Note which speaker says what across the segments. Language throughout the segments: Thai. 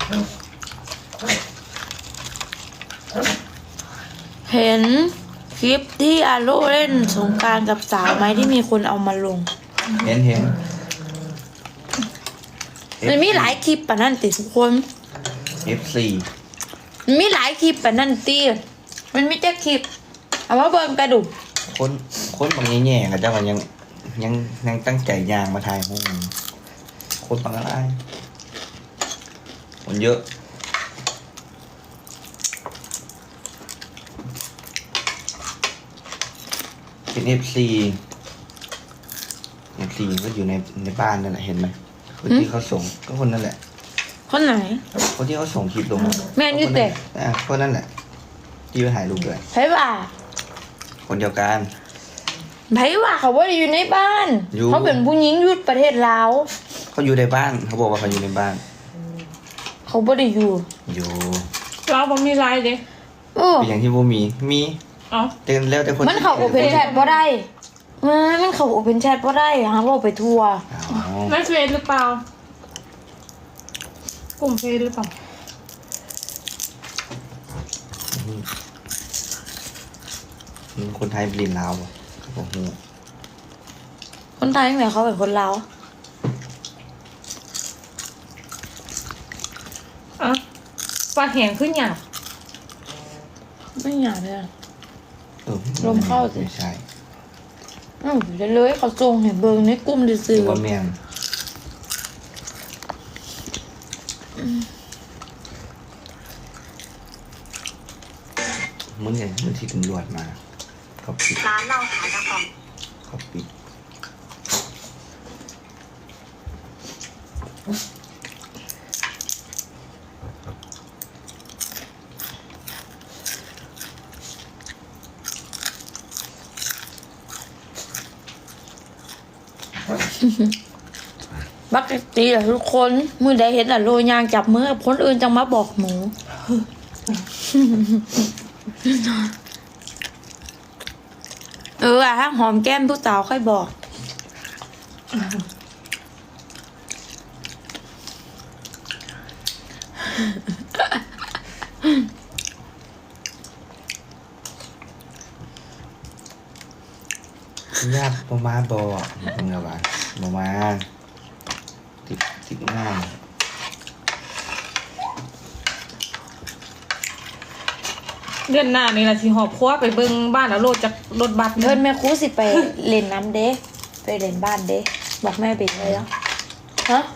Speaker 1: เห็นคลิปที่อาโลเล่นสงกรานต์กับสาวไหมที่มีคนเอามาลง
Speaker 2: เห็น
Speaker 1: มันมีหลายคลิปปะนั่นติทุกคน
Speaker 2: F4
Speaker 1: มันมีหลายคลิปปะนั่นติมันมีแต่คลิปเอามาเบิ่งกระดูก
Speaker 2: คนบางแง่ๆกับเจ้าก็ยังตั้งใจยางมาถ่ายพวกมันคนบางอะไรคนเยอะเป็น F4 ก็อยู่ในบ้านนั่นแหละเห็นไหมคนที่เขาส่งก็คนนั่นแหละ
Speaker 1: คนไหน
Speaker 2: คนที่เขาส่งคลิปลง
Speaker 1: แม่นอยู่แต่
Speaker 2: คนนั่นแหละที่ไปถ่ายรูปด้วย
Speaker 1: ไผว่า
Speaker 2: คนเดียวกัน
Speaker 1: ไผว่าเขาบ่ได้อยู่ในบ้าน
Speaker 2: อยู่
Speaker 1: เขาเป็นผู้หญิงอยู่ประเทศลาว
Speaker 2: เขาอยู่ในบ้านเขาบอกว่าเขาอยู่ในบ้าน
Speaker 1: เขาบ่ได้อยู่
Speaker 2: อยู่
Speaker 3: เราบ่มีไลน์เด้
Speaker 2: เป็นอย่างที่บ่มี
Speaker 3: เอ้า
Speaker 2: แต่แล้วแต่คน
Speaker 1: มันเข้าโอเพนแชทบ่ได้มันเข้าโอเพนแชทบ่ได้หาว่าไปทั่ว
Speaker 2: อ๋อ
Speaker 3: ไม่เฟซหรือเปล่ากลุ่มเฟซหรือเปล่า
Speaker 2: คนไทยเปลี่ยนลาวอะเขาบอกหู
Speaker 1: คนไทยแม่เขาเป็นคนลาว
Speaker 3: อ่ะปลาแห้งขึ้นหยาบ
Speaker 1: ไม่อยากเลยอะ ลมเข้าสิ
Speaker 2: ไม่ใช่
Speaker 1: เดี๋ยวเลยเขาส่งให้เบิ่งในกลุ่ม
Speaker 2: ห
Speaker 1: ซื่
Speaker 2: รือ อว่าแมงมึงเห็นมึงที่ตำรวจมาเขาปิด
Speaker 4: ร้านเราขายกระป๋อง
Speaker 2: เขาปิด
Speaker 1: บักตีแหละทุกคนมือใดเห็นอะโรยยางจับมือคนอื่นจังมาบอกหนู ถ้าหอมแก้มผู้สาวค่อยบอก
Speaker 2: ยากประมาบอมึงเอาบ้านประมาติดง่าย
Speaker 3: เดือนหน้านี่ล่ะสิหอบครัวไปเบิ่งบ้านแล้วโลดจากรถบัส
Speaker 1: เพิ่นแม่ครูสิไปเล่นน้ำเด้ไปเล่นบ้านเด้บอกแม่เบกเลยแล้วฮะ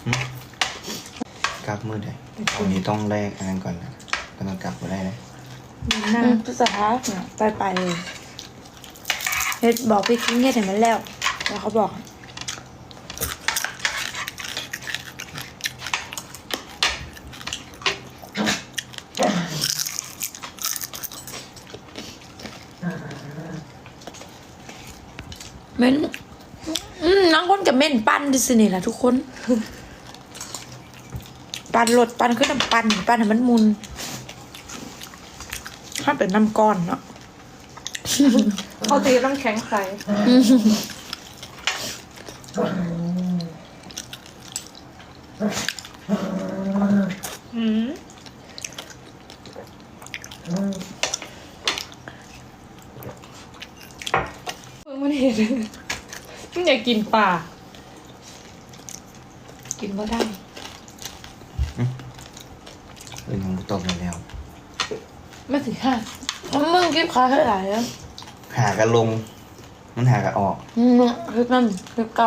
Speaker 2: กลับมือได้วันนี้ต้องแลกอันนั้นก่อนนะกำลังกลับมาได้เลย
Speaker 3: เดือนหน้า
Speaker 1: พฤษภาเนี่ยไปเลยเฮ็ดบอกพี่คิงเฮ็ดให้มันแล้วแล้วเขาบอกเม่นน้องคนกับเม่นปั้นดิสินี่แหละทุกคน ปั้นรถปั้นขึ้นน้ำปั้นให้มันมุนถ้าเป็นน้ำก้อนเนาะ
Speaker 3: เขาตีน้ำแข็งใส่อืมมันเห็นมันอยากกินปลา
Speaker 1: กินก็ได้
Speaker 2: เป็นของตกไปแล้ว
Speaker 3: ไม่สิค่ะ
Speaker 1: มึงกินข้าวเท่าไหร่แล้ว
Speaker 2: หากันลง มันหากันออก
Speaker 1: คือนั่นคือเก่า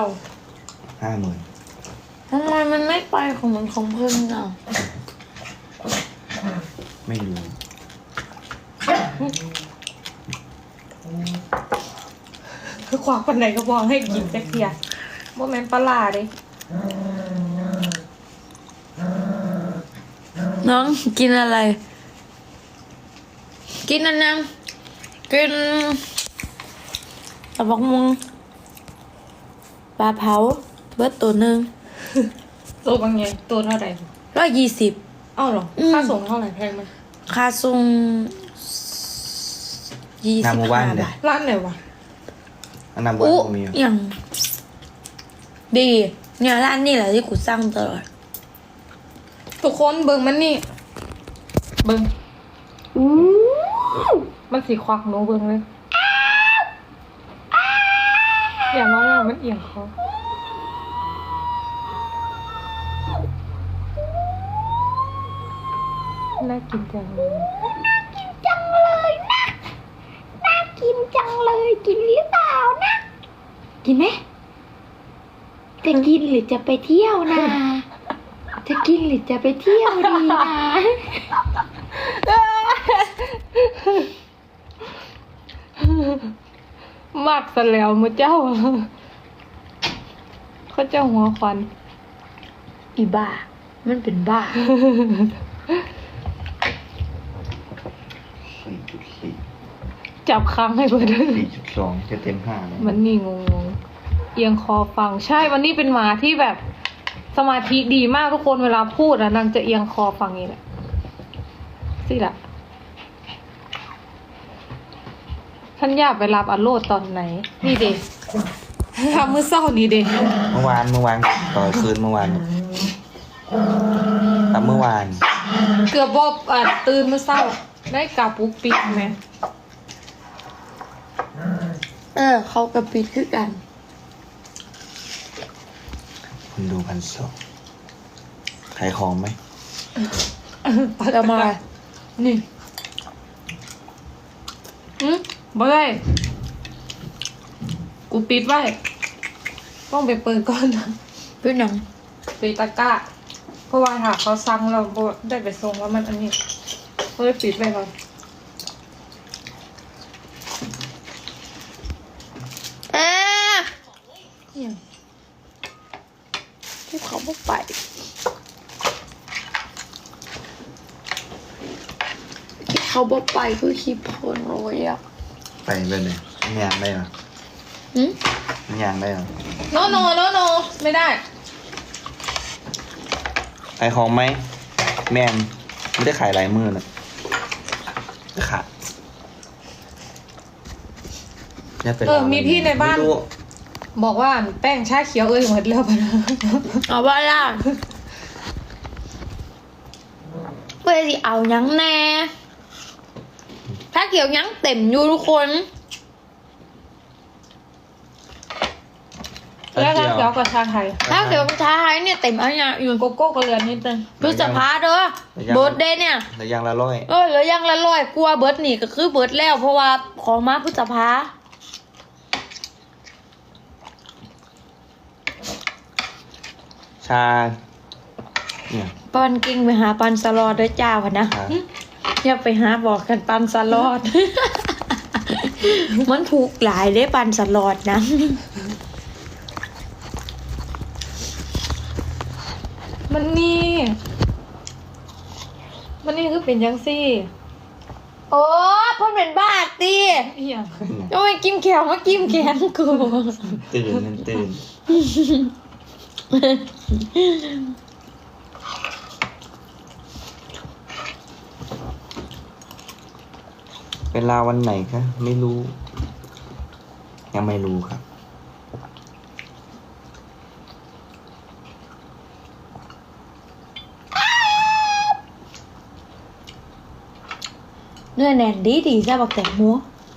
Speaker 2: 50,000
Speaker 1: ทำไมมันไม่ไปของมันของเพิ่นอ่ะ
Speaker 2: ไม่รู้
Speaker 3: คือความปันไหนก็บอกให้กินจักเทียบ่แม่นปลาร้าเด้
Speaker 1: น้องกินอะไร กินอันนั้นกินตะบักมุงปลาเผาเบิดตัวหนึ่ง
Speaker 3: ตัวบางอย่างตัวเท่าไหร่
Speaker 1: 120
Speaker 3: อ้าวเหรอค่าส่งเท่าไหร่แพงไหม
Speaker 1: ค่าส่ง
Speaker 2: หน้าหมู่บ้าน
Speaker 1: 25
Speaker 2: เลย
Speaker 1: บาท
Speaker 3: ร้านไหนวะ
Speaker 2: อันนั้นบ้านผมมีอยู่
Speaker 1: อย่างดีเนี่ยร้านนี่แหละที่กูสั่งตลอด
Speaker 3: ทุกคนเบิ่งมันนี่เบิ่ง
Speaker 1: อู้
Speaker 3: มันสีควักหนูเบิ่งเลยอย่าร้องว่ามันเอียงคอน่ากินจังเลย
Speaker 1: จังเลยนะน่ากินจังเลยกินหรือเปล่านะกินไหมจะกินหรือจะไปเที่ยวนะจะกินหรือจะไปเที่ยวดีนะ
Speaker 3: มากซะแล้วมือเจ้า เขาเจ้าหัวควัน
Speaker 1: อีบ้ามันเป็นบ้า
Speaker 2: 4.4
Speaker 3: จับค้างให้เพื่อนด้วย
Speaker 2: 4.2 จะเต็ม5แล้ว
Speaker 3: มันนี่งงๆเอียงคอฟังใช่วันนี้เป็นหมาที่แบบสมาธิดีมากทุกคนเวลาพูดอะนางจะเอียงคอฟังนี่แหละสิล่ะท่านอยากไปรับอโลดตอนไหน นี่เด็กทำมื้อเศร้านี่เด็ก
Speaker 2: เมื่อวานต่อคืนเมื่อวานแต่เมื่อวาน
Speaker 3: เกือบบ่ตื่นมื้อเศร้า ได้กลับปุ๊กปิ๊กไหม
Speaker 1: เขากับปิดคือกัน
Speaker 2: คุณดู1,200ขายของไหม
Speaker 1: จะมา
Speaker 3: นี่บ่ได้กูปิดไว้ต้องไปเปิดก่อนนะ
Speaker 1: พี่หนัง
Speaker 3: ปิดตะกร้าเพราะว่าถ้าเขาสั่งเราบ่ได้ไปส่งแล้วมันอันนี้ก็เลยปิดไว้ก่อน
Speaker 1: เนี่ยที่เขาบอกไปที่เขาบอกไปคือคลิปคนโรยอ่ะ
Speaker 2: ไปเป็นไงมันยางได้เหรอ
Speaker 1: อืม
Speaker 2: มันยางได้เหรอ
Speaker 3: โนไม่ได้
Speaker 2: ขายของไหมแมนไม่ได้ขายลายมือนะขาดอย่าไปลอง
Speaker 3: มีพี่ในบ้าน
Speaker 2: ไม่รู้
Speaker 3: บอกว่าแป้งชาเขียวหมดแล้วปะนะ
Speaker 1: เอาว่าล่ะเพื่อสิเอาหยังแน่ถ้าเกี่ยวหยังเต็มอยู่ทุกคน
Speaker 3: แล้วชาเขียวกับชาไทย
Speaker 1: ถ้าเกี่ยวกับชาไทยเนี่ยเต็มเอาอย่างอยู่
Speaker 3: โกโก้ก็เหลือนิดนึง
Speaker 1: พฤษภาเด้อเบิร์ดเดย์เนี่ย
Speaker 2: แต่ยางละร้อย
Speaker 1: เหลือยังละร้อยกลัวเบิร์ดนี่ก็คือเบิร์ดแล้ว เพราะว่าของมาพฤษภา
Speaker 2: ชาเนี่ย
Speaker 1: ปันกิ้งไปหาปันสลอดเด้อจ้าพะนะ
Speaker 2: ชา
Speaker 1: อย่าไปหาบอกกันปันสลอด มันถูกหลายได้ปันสลอดนะ
Speaker 3: มันนี่คือเป็นยังซี่
Speaker 1: โอ้เพ่นเป็นบ้าตี
Speaker 3: เอียง
Speaker 1: โอ้ยกิมแขวมากิมแขนกู
Speaker 2: ตื่นเวลาวันไหนคะไม่รู้ ยังไม่รู้ครับ
Speaker 1: เนื้อแน่นดีใช่บอกแต่หมู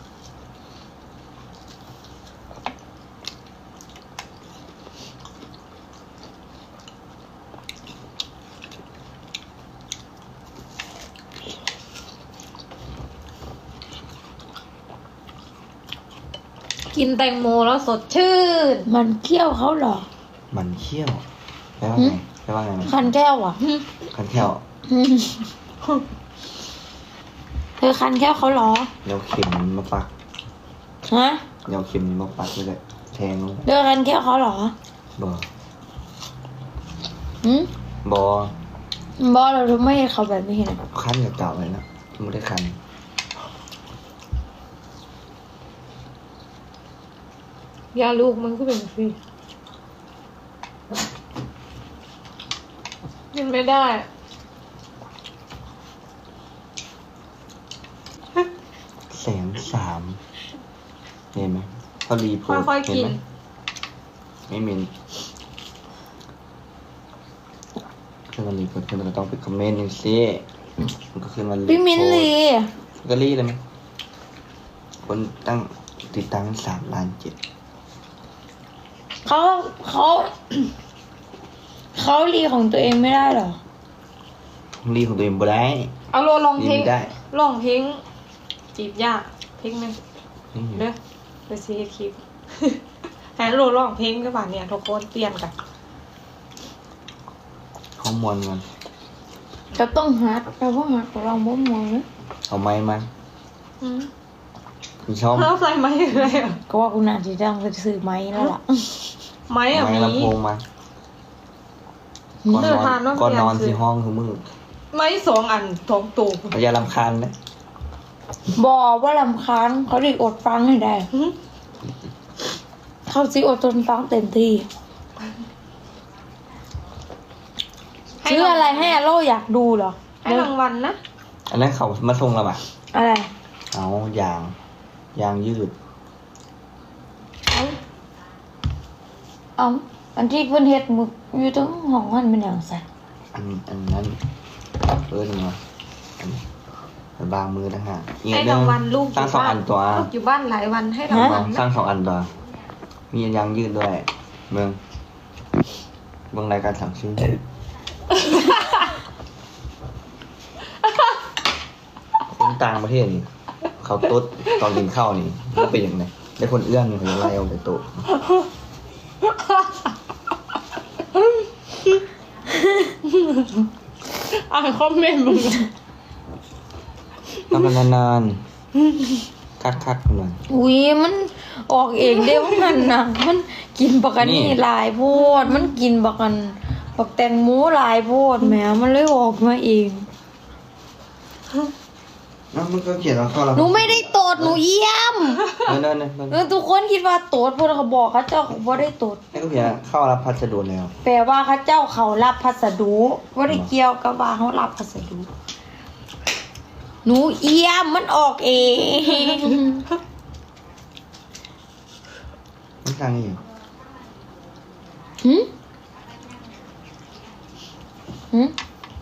Speaker 3: กินแตงโมแล้วสดชื่น
Speaker 1: มันเคี้ยวเขาเหรอ
Speaker 2: มันเขี้ยวแปลว่าไงแปลว่าไงนะ
Speaker 1: คันแก้วอ่ะ
Speaker 2: คันเขี้ยว
Speaker 1: เธอคันแก้วเขาเหรอ
Speaker 2: เดี๋ยวเข็มมาปัก
Speaker 1: ฮะ
Speaker 2: เดี๋ยวเข็มมาปักเลยแทงลง
Speaker 1: เธอคันแก้วเขาเหรอ
Speaker 2: บ่
Speaker 1: หืม
Speaker 2: บอบ
Speaker 1: อเราไม่ให้เขาแบบนี้นะ
Speaker 2: คันกับเก่าเลยนะไม่ได้คัน
Speaker 3: ยาลูกมันก็เป็นฟรีกินไม่ได้
Speaker 2: 130,000เห็นไหมเขารีโพสต์
Speaker 3: ค่อยๆ
Speaker 2: เห็น
Speaker 3: กิน
Speaker 2: ไหมไม่เหม็นขึ้นมาลีกดขึ้นมันก็ต้องไปคอมเมนต์อย่างสิมันก็ขึ้นมาลี
Speaker 1: พี่มินลี
Speaker 2: ก็รีเลยไหมคนตั้งติดตั้ง3.7 ล้าน
Speaker 1: เขาเขารีของตัวเองไม่ได้เหรอ
Speaker 2: รีของตัวเองบ่ได้
Speaker 3: เอาโลลองเพลง
Speaker 2: ไม่ได้
Speaker 3: ลองเพลงจีบยากเพลงหนึง
Speaker 2: นี่
Speaker 3: เด้อไปซีคลิป ให้โลลองเพลงก็บ่าเนี่ยทุกคนเปลี่ยนกัน
Speaker 2: เขามวนมัน
Speaker 1: จะต้องฮัดแต่ว่าฮัดของเราบ่มองนะ
Speaker 2: เอาไม้มา
Speaker 3: อืม
Speaker 2: คุณชอบ
Speaker 3: แล้วใส่ไม้อะไรอ่ะ
Speaker 1: ก็ว่ากูน่าจะต้องไปซื้อไม้แล้วล่ะ
Speaker 3: ไม้อ่ะ
Speaker 2: ไม้
Speaker 3: มี
Speaker 2: ลำโพงมาก่อนนอนที่ห้องคือมึง
Speaker 3: ไม้2 อัน2ตัว
Speaker 2: อย่ารำคาญนะ
Speaker 1: บอกว่าลำคาญเขาดิอดฟังให้ได้
Speaker 3: หืม
Speaker 1: เขาสิอดทนฟังเต็มที่ซื้ออะไรให้อาโลอยากดูเหรอ
Speaker 3: ให้รางวัลนะ
Speaker 2: อันนั้นเขามาส่งเราอะ
Speaker 1: อะไร
Speaker 2: เอายางยืด
Speaker 1: เอาอันที่เพิ่นเฮ็ดมึกอยู่ตรงห้องหันเป็นอย่างไส
Speaker 2: อันนั้นหนึ่งวะอันบางมือนะฮะอีก
Speaker 3: ให้
Speaker 2: เรื่
Speaker 3: รางวัลลูกอ
Speaker 2: สร้าง
Speaker 3: ยู่
Speaker 2: 2
Speaker 3: บ้า
Speaker 2: อั
Speaker 3: น
Speaker 2: นตัว
Speaker 3: ลูกอยู่บ้านหลายวันให้รางวัล
Speaker 2: สร้า
Speaker 3: นะ
Speaker 2: ง2 อันตัวมียางยืดด้วยเมืองรายการสั่งซื้อคนต่างประเทศนี่เขาตุ๊ดตอนกินข้าวนี่มันเป็นอย่างไรได้คนเอื้อนเขาจะไล่ออกจากโต๊ะ
Speaker 3: อ่านคอมเมนต์มึง
Speaker 2: ทำกันนานๆคักๆหน่อย
Speaker 1: อุ้ยมันออกเองเด้ว่ามันนะมันกินบักอันนี่
Speaker 2: นี่
Speaker 1: หลายโพดมันกินบักแตงโมหลายโพดแหมมันเลยออกมาเอง
Speaker 2: น้ำมันก็เขียนว่าเข้าแล้ว
Speaker 1: หนูไม่ได้โตดหนูเยี่ยม
Speaker 2: นั่น
Speaker 1: ทุกคนคิดว่าโตดพวกเขาบอกเขาเจ้าเขาบ่ได้โตด
Speaker 2: นี่ก็เขียนเข้ารับพัสดุแล้ว
Speaker 1: แปลว่าเขาเจ้าเขารับพัสดุบ่ได้เกี่ยวกับว่าเขารับพัสดุหนูเยี่ยมมันออกเอง
Speaker 2: มันทางนี้อยู่
Speaker 1: หึหึ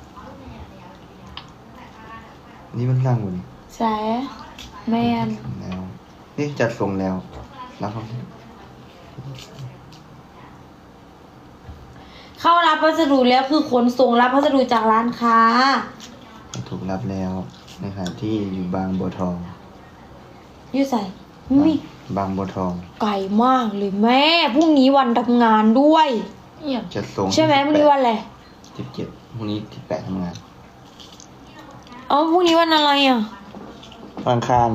Speaker 2: นี่มันทางบน
Speaker 1: แสแมน
Speaker 2: แล้วนี่จัดส่งแล้วแล้วเขา
Speaker 1: เข้ารับพัสดุแล้วคือขนส่งรับพัสดุจากร้านค้า
Speaker 2: ถูกรับแล้วในขณะที่อยู่บางบัวทอง
Speaker 1: อยู่ใส่มี
Speaker 2: บางบัวทอง
Speaker 1: ไก่มากเลยแม่พรุ่งนี้วันทำงานด้วย
Speaker 3: เนี่ย
Speaker 2: จัดส่ง
Speaker 1: ใช่ไหมพรุ่งนี้วันอะไร
Speaker 2: 17พรุ่งนี้18ทำงาน
Speaker 1: อ๋อพรุ่งนี้วันอะไรอ่ะ
Speaker 2: วันอังคาร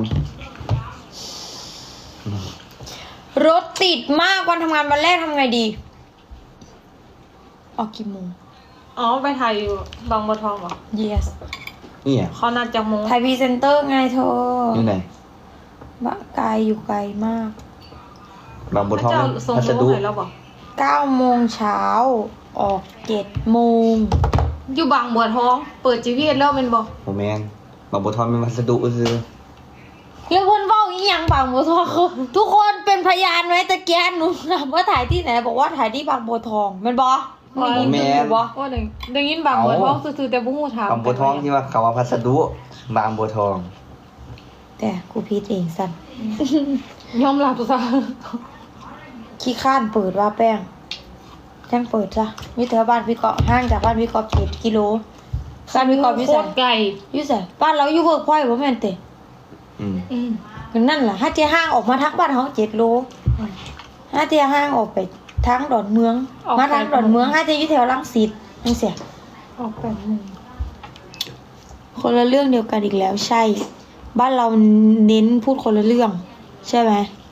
Speaker 1: รถติดมากวันทำงานวันแรกทำไงดี ออกกี่โมง
Speaker 3: อ๋อไปถ่ายอยู่บางบัวทองเหรอ
Speaker 1: yes
Speaker 2: นี่อ่ะ
Speaker 3: เขานัดจากโมง
Speaker 1: ไทยพรีเซนเตอร์ไงเธอ
Speaker 2: อยู่ไหน
Speaker 1: บ้าไกลอยู่ไกลมาก
Speaker 2: บางบัวทอง
Speaker 3: เจ้าส่ง
Speaker 2: พัส
Speaker 3: โม
Speaker 2: ดุ
Speaker 3: งให้เราบอก
Speaker 1: 9 โมงเช้าออก7 โมง
Speaker 3: อยู่บางบัวทอง เปิด GPS แล้วเป็นบอก
Speaker 2: โมแมนบางบัวทองเป็นพัสดุซื้อ
Speaker 1: แล้วคนเฝ้าอีหยังบางบัวทองเขาทุกคนเป็นพยานไหมตะเกียนหนูถามว่าถ่ายที่ไหนบอกว่าถ่ายที่บางบัวทองแมันบอไม่ยินดีบอ
Speaker 3: ว่าได้ยินบางบัวทองซื่อๆแต่บุ้งหูถาม
Speaker 2: บางบัวทองที่ว่าเขาว่าพัสดุบางบัวทอง
Speaker 1: แต่กูพีดเองสั้น
Speaker 3: ยอมรับซะ
Speaker 1: ขี้ข้านเปิดว่าแป้งแจ้งเปิดจ้ะวิเทอบ้านพี่เกาะห่างจากบ้านพี่เกาะ7 กิโลบ้านพี่เกาะพี่
Speaker 3: โค
Speaker 1: ใส่
Speaker 3: ตรไก่
Speaker 1: อยู่ใส่บ้านเราอยู่เวิร์กพอยต์บ่แม่นเตะ
Speaker 2: อืม
Speaker 3: อืม
Speaker 1: นั่นแหละถ้าเจ้าห้างออกมาทักบ้านเขา7 โลถ้าเจ้าห้างออกไปทางดอนเมือง มาทางดอนเมืองถ้าเจ้าอยู่แถวรังสิตจังเสีย
Speaker 3: ออกแบบหนึ่ง
Speaker 1: คนละเรื่องเดียวกันอีกแล้วใช่ บ้านเราเน้นพูดคนละเรื่อง ใช่ไหม
Speaker 3: ใ